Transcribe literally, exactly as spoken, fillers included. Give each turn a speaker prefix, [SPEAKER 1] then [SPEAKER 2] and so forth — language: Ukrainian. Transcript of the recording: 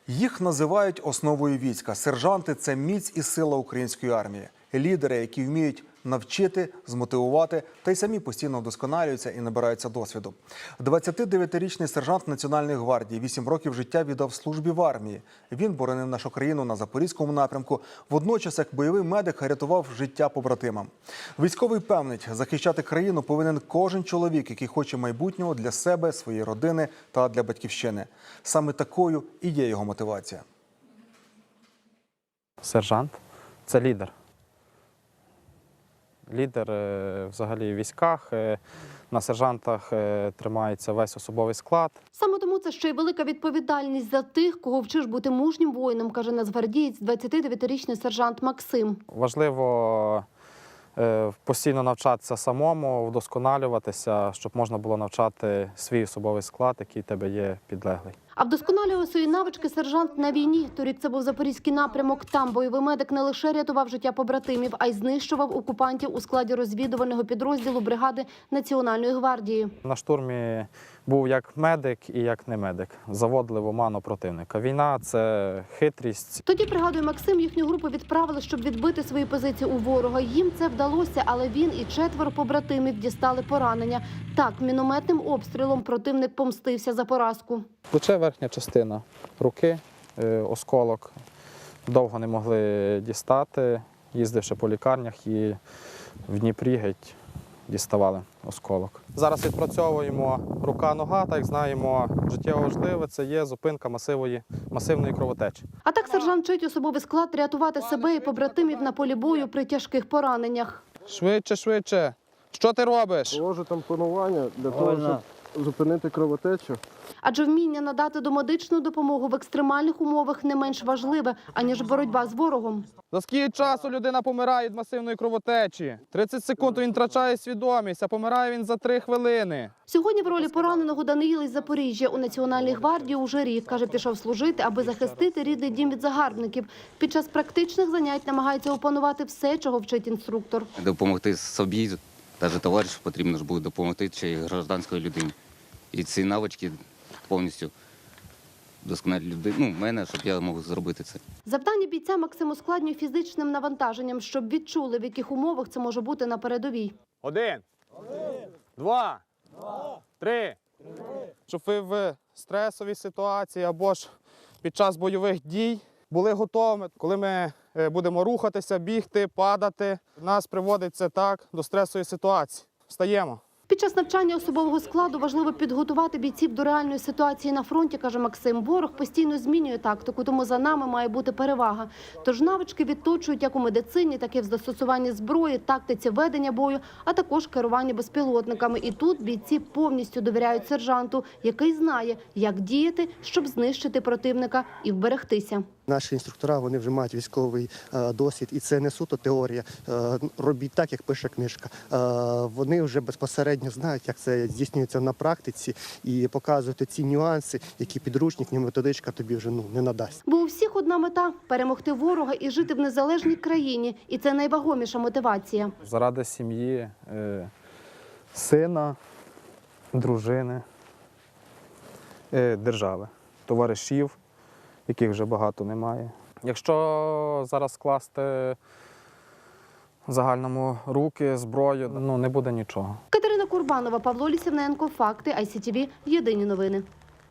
[SPEAKER 1] Їх називають основою війська. Сержанти – це міць і сила української армії. Лідери, які вміють навчити, змотивувати, та й самі постійно вдосконалюються і набираються досвіду. двадцятидев'ятирічний сержант Національної гвардії вісім років життя віддав службі в армії. Він боронив нашу країну на Запорізькому напрямку. Водночас, як бойовий медик, рятував життя побратимам. Військовий певнить, захищати країну повинен кожен чоловік, який хоче майбутнього для себе, своєї родини та для батьківщини. Саме такою і є його мотивація.
[SPEAKER 2] Сержант – це лідер. Лідер взагалі в військах, на сержантах тримається весь особовий склад.
[SPEAKER 3] Саме тому це ще й велика відповідальність за тих, кого вчиш бути мужнім воїном, каже нацгвардієць, двадцятидев'ятирічний сержант Максим.
[SPEAKER 2] Важливо постійно навчатися самому, вдосконалюватися, щоб можна було навчати свій особовий склад, який в тебе є підлеглий.
[SPEAKER 3] А вдосконалював свої навички сержант на війні. Торік це був Запорізький напрямок. Там бойовий медик не лише рятував життя побратимів, а й знищував окупантів у складі розвідувального підрозділу бригади Національної гвардії.
[SPEAKER 2] На штурмі був як медик і як не медик. Заводили в оману противника. Війна – це хитрість.
[SPEAKER 3] Тоді, пригадує Максим, їхню групу відправили, щоб відбити свої позиції у ворога. Їм це вдалося, але він і четверо побратимів дістали поранення. Так, мінометним обстрілом противник помстився за поразку.
[SPEAKER 2] Плече, верхня частина руки, осколок. Довго не могли дістати, їздивши по лікарнях і в Дніпрі геть діставали осколок. Зараз відпрацьовуємо рука-нога, так як знаємо, життєво важливе – це є зупинка масивої, масивної кровотечі.
[SPEAKER 3] А так сержант вчить особовий склад рятувати себе і побратимів на полі бою при тяжких пораненнях.
[SPEAKER 2] Швидше, швидше. Що ти робиш?
[SPEAKER 4] Положу тампонування для того, щоб зупинити кровотечу.
[SPEAKER 3] Адже вміння надати домедичну допомогу в екстремальних умовах не менш важливе, аніж боротьба з ворогом.
[SPEAKER 2] За скільки часу людина помирає від масивної кровотечі? тридцять секунд він втрачає свідомість, а помирає він за три хвилини.
[SPEAKER 3] Сьогодні в ролі пораненого Даниїл із Запоріжжя у Національній гвардії уже рік. Каже, пішов служити, аби захистити рідний дім від загарбників. Під час практичних занять намагається опанувати все, чого вчить інструктор.
[SPEAKER 5] Допомогти собі, навіть товаришу потрібно ж буде допомогти чи гражданської людині. І ці навички повністю досконалі людини, ну, мене, щоб я мог зробити це.
[SPEAKER 3] Завдання бійця Максим ускладнює фізичним навантаженням, щоб відчули, в яких умовах це може бути на передовій.
[SPEAKER 2] Один, Один. Два, Два. Три. Три. Щоб ви в стресовій ситуації або ж під час бойових дій були готовими. Коли ми будемо рухатися, бігти, падати, нас приводить це так до стресової ситуації. Встаємо.
[SPEAKER 3] Під час навчання особового складу важливо підготувати бійців до реальної ситуації на фронті, каже Максим. Ворог постійно змінює тактику, тому за нами має бути перевага. Тож навички відточують як у медицині, так і в застосуванні зброї, тактиці ведення бою, а також керуванні безпілотниками. І тут бійці повністю довіряють сержанту, який знає, як діяти, щоб знищити противника і вберегтися.
[SPEAKER 6] Наші інструктора, вони вже мають військовий е, досвід, і це не суто теорія. Е, робіть так, як пише книжка. Е, вони вже безпосередньо знають, як це здійснюється на практиці, і показують ці нюанси, які підручник, ні методичка тобі вже ну, не надасть.
[SPEAKER 3] Бо у всіх одна мета – перемогти ворога і жити в незалежній країні. І це найвагоміша мотивація.
[SPEAKER 2] Заради сім'ї, е, сина, дружини, е, держави, товаришів, яких вже багато немає. Якщо зараз скласти в загальному руки, зброю, ну не буде нічого.
[SPEAKER 3] Катерина Курбанова, Павло Лісівненко, Факти, ай сі ті ві, Єдині новини.